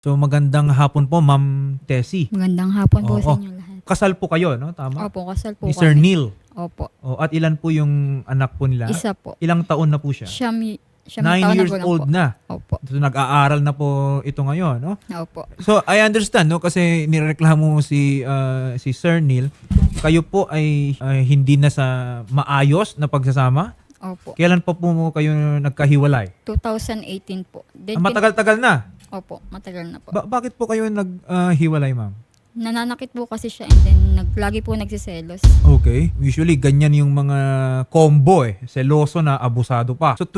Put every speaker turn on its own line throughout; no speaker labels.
So magandang hapon po, Ma'am Tessie.
Magandang hapon po
Oo.
sa inyo lahat.
Kasal po kayo, no? Tama?
Opo, kasal po
Ni Sir
kami.
Neil.
Opo.
At ilan po yung anak po nila?
Isa po.
Ilang taon na po siya?
Siya
9
taon na
years
gulang
old
po.
na.
Opo.
So nag-aaral na po ito ngayon, no?
Opo.
So I understand, no? Kasi nireklamo si Sir Neil, kayo po ay hindi na sa maayos na pagsasama.
Opo.
Kailan pa po kayo nagkahiwalay?
2018 po. Then,
Matagal-tagal na.
Opo, matagal na po.
Bakit po kayo naghiwalay, ma'am?
Nananakit po kasi siya and then lagi po nagsiselos.
Okay. Usually, ganyan yung mga combo Seloso na abusado pa. So,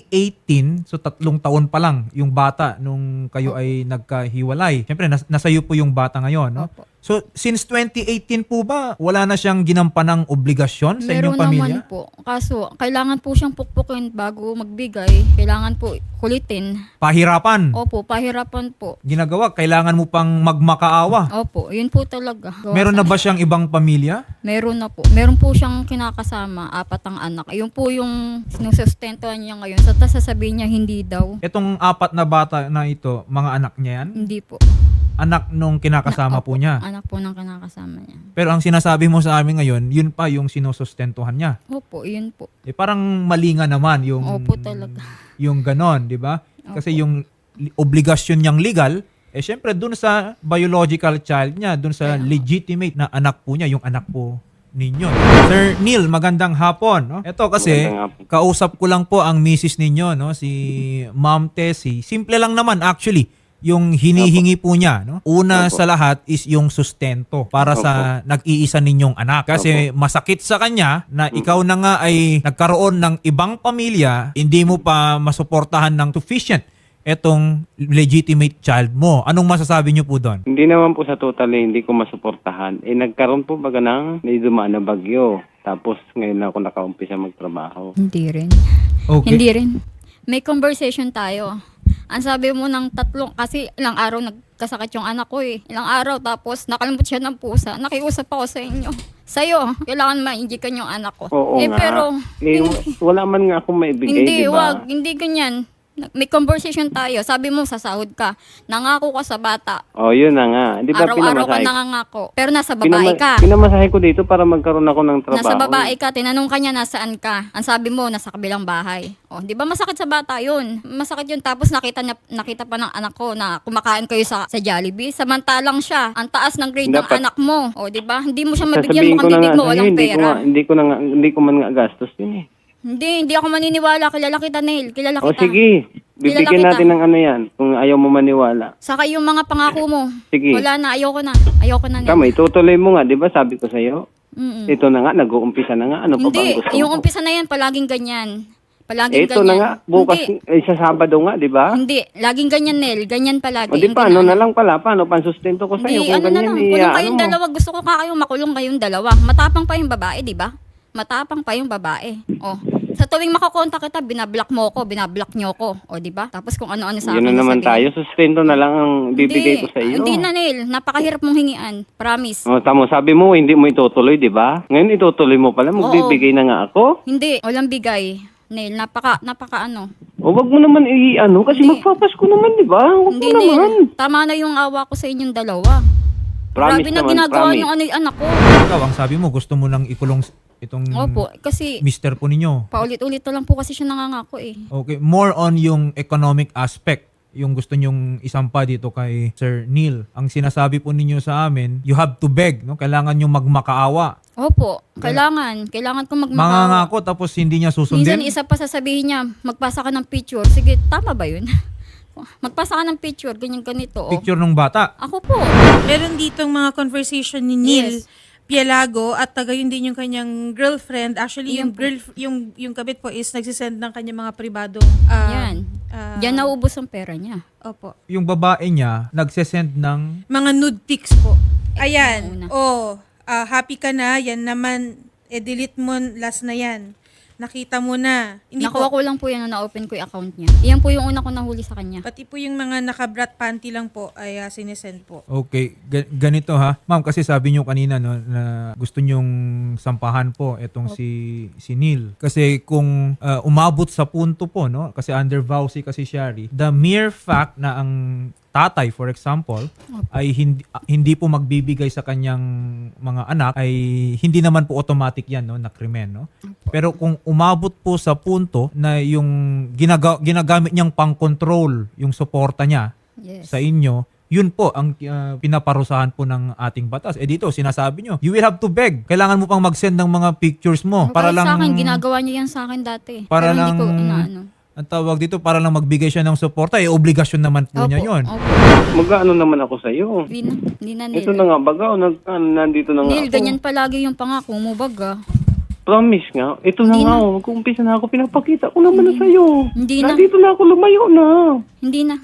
2018, so 3 taon pa lang yung bata nung kayo ay nagkahiwalay. Siyempre, nasa iyo po yung bata ngayon, no?
Opo.
So, since 2018 po ba, wala na siyang ginampanang obligasyon sa inyong
Meron
pamilya?
naman po. Kaso, kailangan po siyang pukpukin bago magbigay. Kailangan po kulitin.
Pahirapan.
Opo, pahirapan po.
Ginagawa, kailangan mo pang magmakaawa.
Opo, yun po talaga.
Meron na ba siyang ibang pamilya?
Meron na po. Meron po siyang kinakasama, 4 ang anak. Ayun po yung sinusustentuhan niya ngayon. So, sasabihin niya hindi daw.
Itong 4 na bata na ito, mga anak niya yan?
Hindi po.
Anak nung kinakasama po niya.
Anak po ng kinakasama niya.
Pero ang sinasabi mo sa amin ngayon, yun pa yung sinusustentuhan niya.
Opo, yun po.
Parang mali nga naman yung
Opo talaga.
yung ganon, di ba? Kasi yung obligasyon niyang legal, syempre dun sa biological child niya, dun sa legitimate na anak po niya, yung anak po ninyo. Sir Neil, magandang hapon. No? Ito kasi, kausap ko lang po ang misis ninyo, no? Si Ma'am Tessie. Simple lang naman actually yung hinihingi po niya, no? Una sa lahat is yung sustento para sa nag-iisa ninyong anak. Kasi masakit sa kanya na ikaw na nga ay nagkaroon ng ibang pamilya, hindi mo pa masuportahan ng sufficient etong legitimate child mo. Anong masasabi niyo po doon?
Hindi naman po sa totally hindi ko masuportahan. Nagkaroon po baga ng dumaan na bagyo. Tapos ngayon na ako nakaumpisa magtrabaho.
Hindi rin.
Okay.
Hindi rin. May conversation tayo. Ang sabi mo ng 3, kasi ilang araw nagkasakit yung anak ko eh. Ilang araw, tapos nakalimot siya ng pusa. Nakiusap ako sa inyo. Sa'yo, kailangan ma-injikan yung anak ko.
Oo nga.
Pero,
Wala man nga akong maibigay,
hindi,
di ba?
wag. Hindi ganyan. May conversation tayo. Sabi mo, sasahod ka. Nangako ka sa bata.
Oh, yun na nga. Di ba
Araw-araw ka
pinamasahe?
nangangako. Pero nasa babae ka.
Pinamasahe ko dito para magkaroon ako ng trabaho.
Nasa babae ka, tinanong ka niya nasaan ka. Ang sabi mo, nasa kabilang bahay. O, di ba masakit sa bata yun? Masakit yun. Tapos nakita pa ng anak ko na kumakain kayo sa Jollibee. Samantalang siya, ang taas ng grade ng
Dapat-
anak mo. O, di ba? Hindi mo siya mabigyan,
Sasabihin ko
mukhang
na
bibig
nga
mo,
sa'yo,
walang pera.
hindi ko man nga gastos yun eh.
Hindi ako maniniwala. Kilala kita, Neil. Kilala
O
kita.
sige, bibigyan
Kilala kita.
natin ng ano yan kung ayaw mo maniwala.
Saka yung mga pangako mo.
Sige.
Wala na, ayoko na. Ayoko na, Neil.
Tama, itutuloy mo nga, di ba sabi ko sa'yo?
Mm-mm.
Ito na nga, nag-uumpisa na nga. Ano pa ba
Hindi,
ang gusto
yung
mo?
umpisa na yan, palaging ganyan. Palaging
Ito
ganyan.
na nga, bukas,
Hindi,
sa Sabado nga, di ba?
hindi. Laging ganyan, Nel. Ganyan palagi.
O di
Hindi
paano
na-
na lang pala, paano pansustento ko sa'yo
Hindi,
kung
ano na
ganyan
lang. Kulong kayong
ano mo.
dalawa. Gusto ko ka kayong makulong kayong dalawa. Matapang pa yung babae, di ba? Matapang pa yung babae. O. Sa tuwing makakontak kita, binablock mo ko, binablock nyo ko. O, di ba? Tapos kung ano-ano sa
Yun
akin
na naman
sasabihin.
tayo, sustento na lang ang bibigay ko sa iyo.
Hindi na, Nel. Napakahirap mong hingian. Promise.
O, tamo, sabi mo, hindi mo itutuloy, di ba? Ngayon itutuloy mo pala, magbibigay na nga ako.
Hindi. Walang bigay. Nel, napaka ano.
O, wag mo naman kasi
Hindi.
magpapasko naman, di ba? Wag
Hindi,
mo naman.
Nel. Tama na yung awa ko sa inyong dalawa.
Promise
Grabe na
naman,
ginagawa
promise.
yung anak ko.
Ikaw, ang sabi mo, gusto mo nang ikulong itong
Opo, kasi
mister po ninyo.
paulit-ulit na lang po kasi siya nangangako eh.
Okay, more on yung economic aspect yung gusto nyong isampa dito kay Sir Neil. Ang sinasabi po ninyo sa amin, you have to beg, no? Kailangan yung magmakaawa.
Opo, kailangan ko magmakaw.
Mangangako tapos hindi niya
Minsan
susundin.
isa pa sasabihin niya, magpasa ka ng picture. Sige, tama ba yun? Magpasa ka ng picture, ganyan-ganito.
Picture ng bata.
Ako po.
Meron ditong mga conversation ni Neil
Yes.
Pielago at tagayon din yung kanyang girlfriend. Actually,
Iyan
yung kabit po is nagsisend ng kanyang mga pribadong
Yan. Diyan naubos ang pera niya.
Opo.
Yung babae niya nagsesend ng
Mga nude pics po.
Una.
Ayan. Happy ka na. Yan naman. Delete mo last na yan. Nakita mo na. Hindi
Nakuha
po.
ko lang po yan na na-open ko yung account niya. Iyan po yung una ko nahuli sa kanya.
Pati po yung mga naka-brat panty lang po ay sinesend po.
okay, ganito ha. Ma'am, kasi sabi niyo kanina no na gusto niyong sampahan po etong si Neil. Kasi kung umabot sa punto po no, kasi under vow si kasi Shari, the mere fact na ang tatay, for example, ay hindi po magbibigay sa kanyang mga anak, ay hindi naman po automatic yan, no, na krimen, no? Pero kung umabot po sa punto na yung ginagamit niyang pang-control yung suporta niya
Yes.
sa inyo, yun po ang pinaparusahan po ng ating batas. Dito, sinasabi nyo, you will have to beg. Kailangan mo pang mag-send ng mga pictures mo para
Kahit
lang...
sa akin, ginagawa niya yan sa akin dati.
Para
Pero
lang...
hindi ko inaano.
Ang tawag dito, para lang magbigay siya ng suporta, obligasyon naman po niya yun.
Opo.
Mag-ano naman ako sa iyo.
Hindi na
Ito
Neil.
na nga baga, nandito na nga
Neil,
ako.
ganyan palagi yung pangako mo, baga.
Promise nga. Ito na
Hindi
nga,
na.
mag-uumpisa na ako. Pinapakita ko naman na sa'yo.
Hindi na.
Nandito na ako, lumayo na.
Hindi na.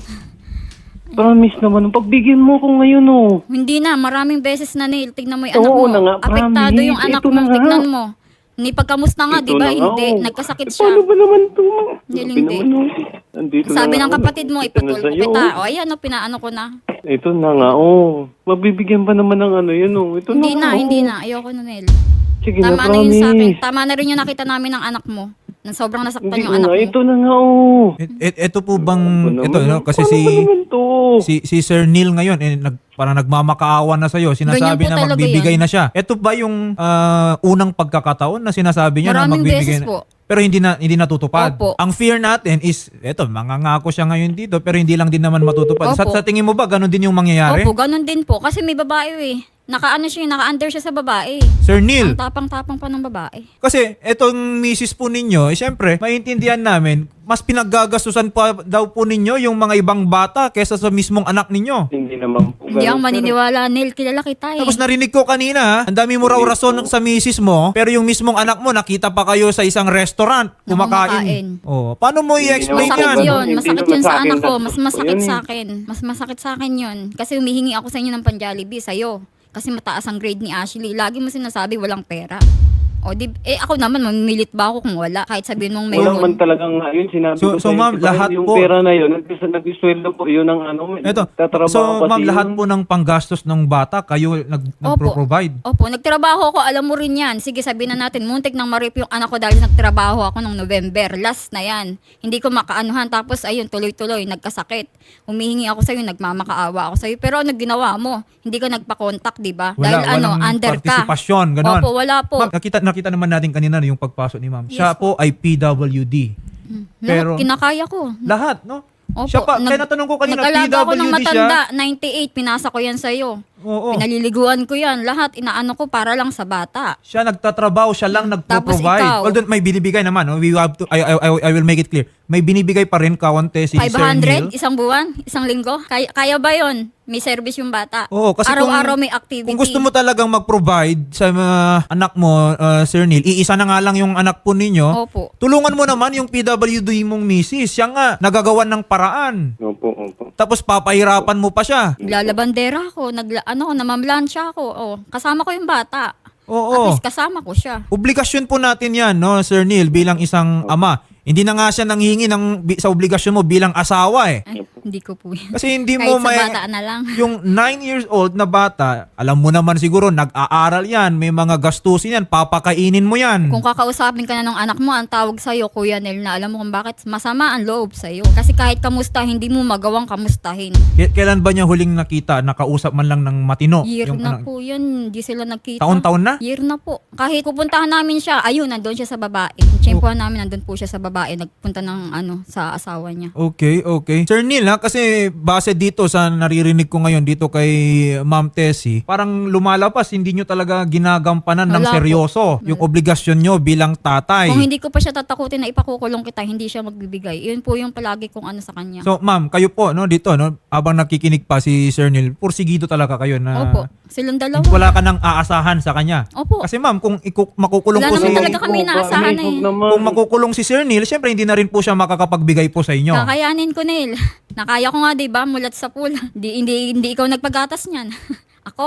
Promise naman, pagbigyan mo ko ngayon, oh.
Hindi na. Maraming beses na, Neil. Tignan mo yung
Oo
anak mo.
na nga,
Apektado
promise.
yung anak
Ito
mo.
na nga.
Tignan mo. Ni pagkamusta nga,
Ito
di ba?
na nga,
Hindi.
oh.
Nagkasakit
Paano
siya.
ba naman ito?
Hindi,
Sabi
hindi.
naman, oh. Nandito
Sabi
na
ng
nga,
kapatid mo,
oh. Ito na
ipatulpo
sa'yo,
kita.
oh.
O, ayan, pinaano ko na.
Ito na nga, oh. Mabibigyan pa naman ng ano yun, oh. Ito
Hindi
na,
na,
oh.
hindi na. Ayoko na, Neil.
Sige na,
Tama na yun sa akin.
promise.
Tama na rin yung nakita namin ng anak mo. Na sobrang nasaktan
Hindi
yung
na
anak
nga,
mo.
ito na nga, oh.
Ito po bang...
Ano
Ito,
naman,
no? Kasi
paano ba naman to?
si Sir Neil ngayon, parang nagmamakaawa na sa'yo. Sinasabi
Ganyan po
na
talaga
magbibigay
yan.
na siya. Ito ba yung unang pagkakataon na sinasabi niya na
Maraming
magbibigay
beses po.
Pero hindi natutupad.
Opo.
Ang fear natin is, mangangako siya ngayon dito, pero hindi lang din naman matutupad. Sa
Opo.
tingin mo ba, ganun din yung mangyayari?
Opo, ganun din po. Kasi may babae eh. Naka-under siya sa babae.
Sir Neil,
Ang tapang-tapang pa ng babae.
kasi etong misis po ninyo, syempre, maintindihan namin, mas pinaggagastusan pa daw po ninyo yung mga ibang bata kesa sa mismong anak ninyo.
Hindi naman po.
Hindi ako
ganun,
maniniwala, Neil. Kilala kita eh.
Tapos narinig ko kanina, ang dami mo raw rason sa misis mo, pero yung mismong anak mo, nakita pa kayo sa isang restaurant, kumakain.
kumakain.
Oh, paano mo i-explain
Hindi
Masakit
yan?
yun.
Hindi
Masakit
naman
yun
sa
sa
akin
anak ko.
gastos
Mas
ko
masakit
yun eh.
sa akin. Mas masakit sa akin yun. Kasi humihingi ako sa inyo ng pan-Jollibee sa'yo. Kasi mataas ang grade ni Ashley. Lagi mo sinasabi walang pera. O di, ako naman, mamilit ba ako kung wala? Kahit sabihin mong
Wala man
mayroon.
talagang ayun, sinabi
So-
ko
so,
sa'yo,
ma'am,
diba,
lahat
yung
po-
pera na yun, nag-isweldo po yun ng ano,
Ito,
tatrabaho
so
kasi
ma'am,
yun.
lahat po ng panggastos ng bata, kayo nagpro-provide.
Opo, nagtrabaho ako, alam mo rin yan. Sige, sabihin na natin, muntik nang marip yung anak ko dahil nagtrabaho ako nung November. Last na yan. Hindi ko makaanuhan. Tapos, ayun, tuloy-tuloy, nagkasakit. Humihingi ako sa'yo, nagmamakaawa ako sa'yo. Pero ano ginawa mo? Hindi ka nagpa-contact, di ba? Dahil
Walang
under ka.
partisipasyon, ganon.
Opo, wala po.
Ma'am, nakita naman natin kanina yung pagpasok ni ma'am. Siya po ay PWD. Pero
Lahat kinakaya ko.
lahat, no?
Opo,
Siya pa, kaya natanong ko kanina,
nag-alaga ako ng
PWD siya.
matanda, 98, pinasa ko yan sa'yo.
Oo.
Pinaliliguan ko yan. Lahat, inaano ko para lang sa bata.
Siya nagtatrabaho, siya lang
Tapos
nagpo-provide.
ikaw.
Although may binibigay naman, no? We have to I will make it clear. May binibigay pa rin kaunti si Sir
500,
Neil.
isang buwan, isang linggo. Kaya ba yon? May service yung bata.
Oo, kasi
araw-araw may activity.
Kung gusto mo talagang mag-provide sa anak mo, Sir Neil, iisa na nga lang yung anak po ninyo.
Opo.
Tulungan mo naman yung PWD mong misis. Siya nga, nagagawan ng paraan.
Opo, opo.
Tapos papahirapan mo pa siya.
Naglalabandera ako, namamlansya ako. Oh, kasama ko yung bata. At
Oo.
least kasama ko siya.
Obligasyon po natin yan, no, Sir Neil, bilang isang ama. Hindi na nga siya nanghingi sa obligasyon mo bilang asawa eh.
Ay, hindi ko po yan.
Kasi hindi
Kahit
mo
sa bata na lang.
Yung 9 years old na bata, alam mo naman siguro, nag-aaral yan, may mga gastusin yan, papakainin mo yan.
Kung kakausapin ka na ng anak mo, ang tawag sa'yo, Kuya Nel, na alam mo kung bakit masama ang loob sa'yo. Kasi kahit kamusta, hindi mo magawang kamustahin.
Kailan ba niya huling nakita, nakausap man lang ng matino?
Year
Yung
na
anak-
po yun, hindi sila nagkita.
Taon-taon na?
Year na po. Kahit pupuntahan namin siya, ayun, nandun siya sa babae. Tiyempohan namin, nandun po siya sa babae. Nagpunta ng sa asawa niya.
Okay. Sir Neil, kasi base dito sa naririnig ko ngayon dito kay Ma'am Tessie, parang lumalabas, hindi nyo talaga ginagampanan ng
Wala po.
seryoso yung obligasyon nyo bilang tatay.
Kung hindi ko pa siya tatakutin na ipakukulong kita, hindi siya magbibigay. Yun po yung palagi kong ano sa kanya.
So, ma'am, kayo po, no, dito, no, habang nakikinig pa si Sir Neil, pursigido talaga kayo na
Opo. Silang dalawa.
wala ka nang aasahan sa kanya.
Opo.
Kasi ma'am, kung makukulong
Wala
po
naman
si...
talaga kami inaasahan eh.
Kung makukulong si Sir Neil, syempre hindi na rin po siya makakapagbigay po sa inyo.
Kakayanin ko, Neil. Nakaya ko nga, di ba? Mulat sa pool. Hindi ikaw nagpagatas niyan. Ako.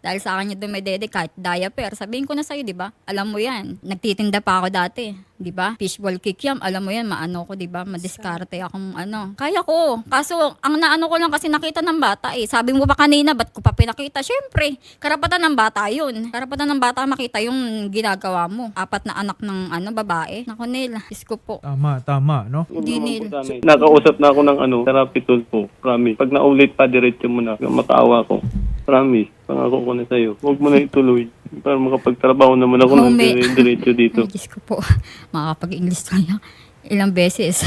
Dahil sa akin niya dumedede kahit diaper. Sabihin ko na sa'yo, di ba? Alam mo yan. Nagtitinda pa ako dati. Di ba? Fishball kikiam. Alam mo yan, maano ko, di ba? Madiskarte akong ano. Kaya ko. Kaso, ang naano ko lang kasi nakita ng bata eh. Sabi mo ba kanina, ba't ko pa pinakita? Siyempre, karapatan ng bata yun. Karapatan ng bata makita yung ginagawa mo. 4 na anak ng babae. Naku, Nel. Diyos ko po.
Tama, no?
Hindi, Nel.
Nakausap na ako ng therapy tool po. Promise. Pag naulit pa, diretso mo na. Makaawa ko. Promise. Pangako ko na sa'yo. Huwag mo na ituloy. Para makapagtrabaho naman ako ng diretso dito.
Ay, Diyos ko po. Makakapag-English tayo. Ilang beses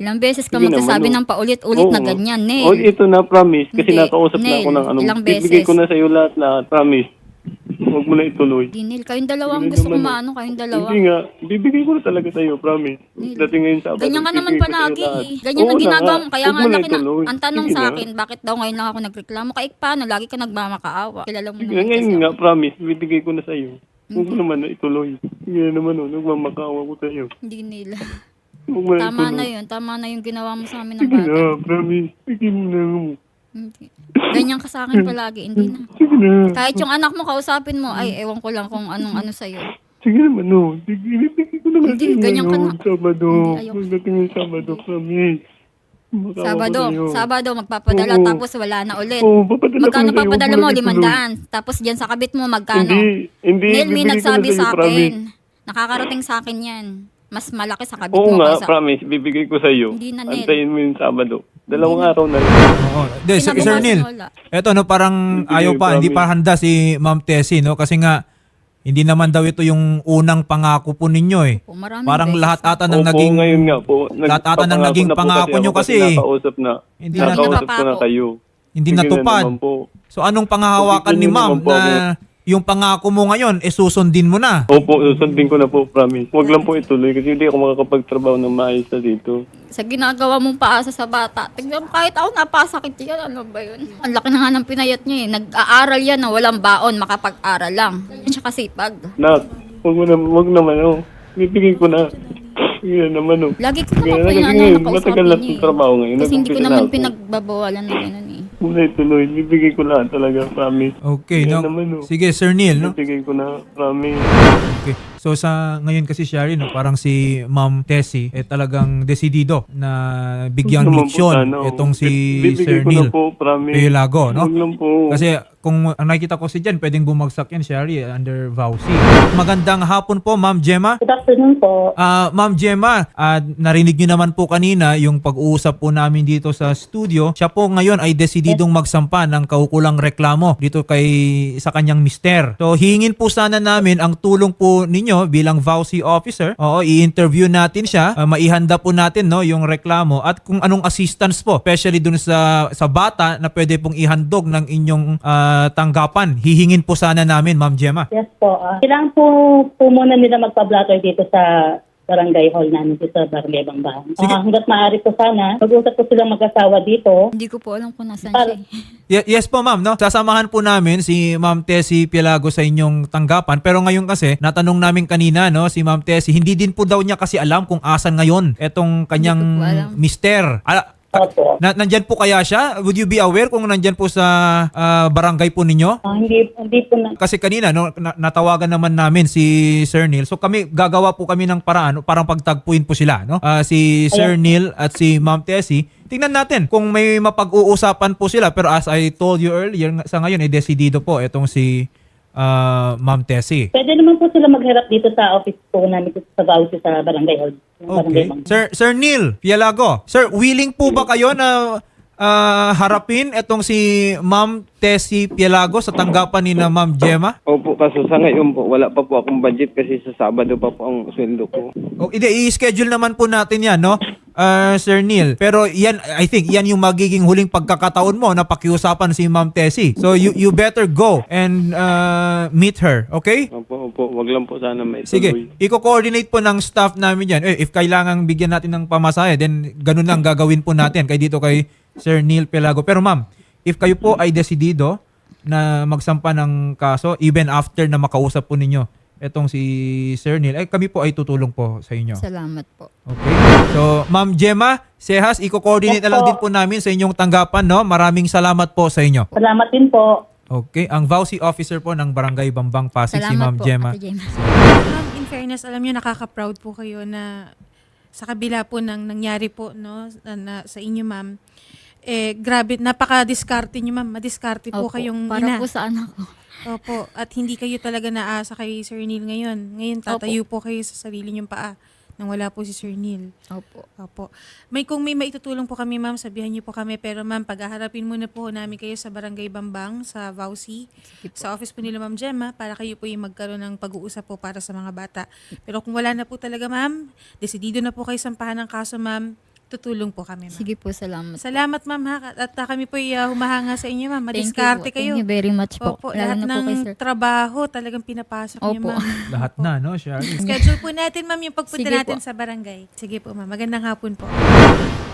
ka
Sige
magsasabi
naman,
ng paulit-ulit na
Oo.
ganyan, Nel.
Oh, ito na, promise. Kasi
Hindi.
nakausap na ako
Nel,
ng
ilang beses.
Bibigay ko na sa'yo lahat. Promise. Huwag mo na ituloy.
Di, Nel, kayong dalawang
Hindi
gusto ko
naman,
maano, kayong dalawa.
Hindi nga. Bibigay ko na talaga sa'yo, promise.
Nel,
Dating ngayon sa
Ganyan ka naman
bibigay ko sa'yo
palagi
lahat.
eh. Ganyan ang
Oo na
ginagawa
nga.
mo. Kaya
Huwag
nga
mo na
laki na,
ituloy.
ang tanong
Sige
sa
na.
akin, bakit daw ngayon lang ako nagreklamo? Kaik paano? Lagi ka nagmamakaawa. Kilala mo
Sige,
naman
ngayon
kasi
nga,
ako.
promise. Bibigay ko na sa'yo. Huwag mo naman na ituloy. Sige na naman, nagmamakaawa ko sa'yo.
Hindi, Nel.
Huwag mo na
Tama na
ituloy.
yun. Tama na yung ginawa mo sa amin ng
Sige
bata.
na, promise. Sige na.
Hindi. Ganyan ka sa akin palagi. Hindi na.
Sige na.
Kahit yung anak mo, kausapin mo, ay, ewan ko lang kung anong ano sa'yo.
Sige naman, no. Sige, bibigay ko na
Hindi,
sa'yo
ganyan ka
ngayon.
na.
Sabado.
Hindi, ayoko.
Pagdating ng Sabado, promise. Makaawa ko sa'yo.
Sabado, magpapadala,
Oo.
tapos wala na ulit.
Oo, papadala ko
Magkano
na sa'yo.
papadala
Huwag
mo?
na ituloy.
500. Tapos dyan sa kabit mo, magkano?
Hindi.
Nel, may
bibigay ko na
nagsabi
sa'yo,
sa
promise.
akin. Nakakarating sa akin yan. Mas malaki sa kabit
Oo
mo
nga,
kaysa.
promise. Bibigay ko sa'yo.
Hindi na, Nel.
Antayin mo yung Sabado. 2 araw na lang.
Oo. Hindi, Sir
Kinabukasan
Neil.
wala.
Eto, no, parang
Hindi,
ayaw pa, hindi
promise.
pa handa si Ma'am Tessie, no? Kasi nga, hindi naman daw ito yung unang pangako po ninyo eh.
Po, maraming
Parang
beses
lahat
na.
ata ng
Opo,
naging
ngayon nga po.
lahat ata ng naging pangako nyo kasi
Nakausap na.
Hindi na
Nakausap ko na
napapako.
kayo.
hindi
Sige na
natupad.
naman po.
So anong panghahawakan ni
Sige
Ma'am
naman po
na yung pangako mo ngayon, susundin mo na?
Opo, susundin ko na po, promise. Huwag lang po ituloy kasi hindi ako makakapagtrabaho ng maayos na dito.
Sa ginagawa mong paasa sa bata. Tignan mo, kahit ako napasakit yan. Ano ba yun? Ang laki na nga ng pinayat niya eh. Nag-aaral yan na walang baon, makapag-aral lang. Yan siya kasipag.
Nak, huwag naman, oh. Bibigay ko na. Sige na naman, oh.
Lagi ko
Sige
naman
na,
po
kasi
yung
ngayon,
nakausapin
matagal na
niya
itong
eh.
trabaho ngayon.
Kasi hindi ko
Nag-umpisa
naman
na ako.
pinagbabawalan na gano'n eh.
Huwag na ituloy. Bibigay ko lahat talaga, promise.
Okay,
Sige
no?
naman, oh.
Sige, Sir Neil, no?
Bibigay ko na, promise.
Okay. So sa ngayon kasi Shari, no, parang si Ma'am Tessie talagang desidido na bigyang
Huwag naman po
leksyon
sana, oh.
itong si
Bibigay
Sir
ko na
Neil
po, promise.
Pilago, no?
Huwag lang po.
Kasi kung ang nakikita ko si Jan, pwedeng bumagsak yan, Shari, under VAUSI. Magandang hapon po, Ma'am Gemma.
Good afternoon po.
Ma'am Gemma, narinig niyo naman po kanina yung pag-uusap po namin dito sa studio. Siya po ngayon ay desididong magsampa ng kaukulang reklamo dito sa kanyang mister. So hingin po sana namin ang tulong po ninyo bilang VAUSI officer. Oo, i-interview natin siya. Maihanda po natin no yung reklamo at kung anong assistance po, especially dun sa bata na pwede pong ihandog ng inyong tanggapan. Hihingin po sana namin, Ma'am Gemma.
Yes po. Kailangan po muna nila magpa-blotter dito sa barangay hall namin dito sa Barangay Bangbahan.
Sige.
Hanggat maaari po sana, mag-usap po silang mag-asawa dito.
Hindi ko po alam kung nasan siya eh.
Yes po, ma'am, no? Sasamahan po namin si Ma'am Tessie Pilago sa inyong tanggapan. Pero ngayon kasi, natanong namin kanina, no, si Ma'am Tessie, hindi din po daw niya kasi alam kung asan ngayon etong kanyang
Hindi ko po alam.
mister.
Opo.
Nandyan po kaya siya? Would you be aware kung nandyan po sa barangay po ninyo?
Hindi po na.
Kasi kanina no natawagan naman namin si Sir Neil. So gagawa po kami ng paraan parang pagtagpuin po sila, no? Si Sir Neil at si Ma'am Tessie. Tingnan natin kung may mapag-uusapan po sila, pero as I told you earlier, sa ngayon ay desidido po itong si Ma'am Tessie.
Pwede naman po sila magharap dito sa office po namin dito sa Bausi sa Barangay hall.
Okay. Sir Neil Pialago. Sir, willing po ba kayo na harapin itong si Ma'am Tessie Pialago sa tanggapan ni na Ma'am Gemma?
Opo, kaso sa ngayon po, wala pa po akong budget kasi sa Sabado pa po ang sweldo ko.
O, i-schedule naman po natin yan, no? Sir Neil. Pero yan, I think, yan yung magiging huling pagkakataon mo na pakiusapan si Ma'am Tessie. So, you better go and meet her, okay?
Opo, wag lang po sana may
Sige,
tuloy.
i-coordinate po ng staff namin yan. If kailangang bigyan natin ng pamasahe, then ganun lang gagawin po natin kay dito kay Sir Neil Pilago. Pero ma'am, if kayo po ay desidido na magsampa ng kaso, even after na makausap po ninyo etong si Sir Neil, kami po ay tutulong po sa inyo.
Salamat po.
Okay? So, Ma'am Gemma Sehas, i-coordinate
Yes
na lang
po.
din po namin sa inyong tanggapan, no? Maraming salamat po sa inyo.
Salamat din po.
Okay, ang VAUSI officer po ng Barangay Bambang Pasig, si Ma'am
Salamat po,
Gemma.
Ate Gemma.
Ma'am, in fairness, alam niyo nakaka-proud po kayo na sa kabila po ng nangyari po no sa inyo, ma'am. Grabe, napaka-diskarte niyo, ma'am. Madiskarte po
Opo,
kayong
para
ina.
po sa anak ko.
Opo, at hindi kayo talaga naasa kay Sir Neil ngayon. Ngayon tatayo po kayo sa sarili niyong paa nang wala po si Sir Neil.
Opo.
Opo. Kung may maitutulong po kami, ma'am, sabihan niyo po kami. Pero ma'am, pag-aharapin muna po namin kayo sa Barangay Bambang, sa VAUSI, sa office po nila Ma'am Gemma, para kayo po yung magkaroon ng pag-uusap po para sa mga bata. Pero kung wala na po talaga, ma'am, desidido na po kayo sampahan ng kaso, ma'am, tutulong po kami, ma'am.
Sige po, salamat.
Salamat, ma'am, ha? At kami po humahanga sa inyo, ma'am.
Thank you
Madiskarte
po.
kayo.
Thank you very much po.
Opo,
Lalo
lahat
na po kay Sir.
ng trabaho talagang pinapasok niyo,
Opo.
ma'am.
Lahat na, no, Shari?
Schedule po natin, ma'am, yung pagpunta
Sige
natin
po.
sa barangay. Sige po, ma'am. Magandang hapon po.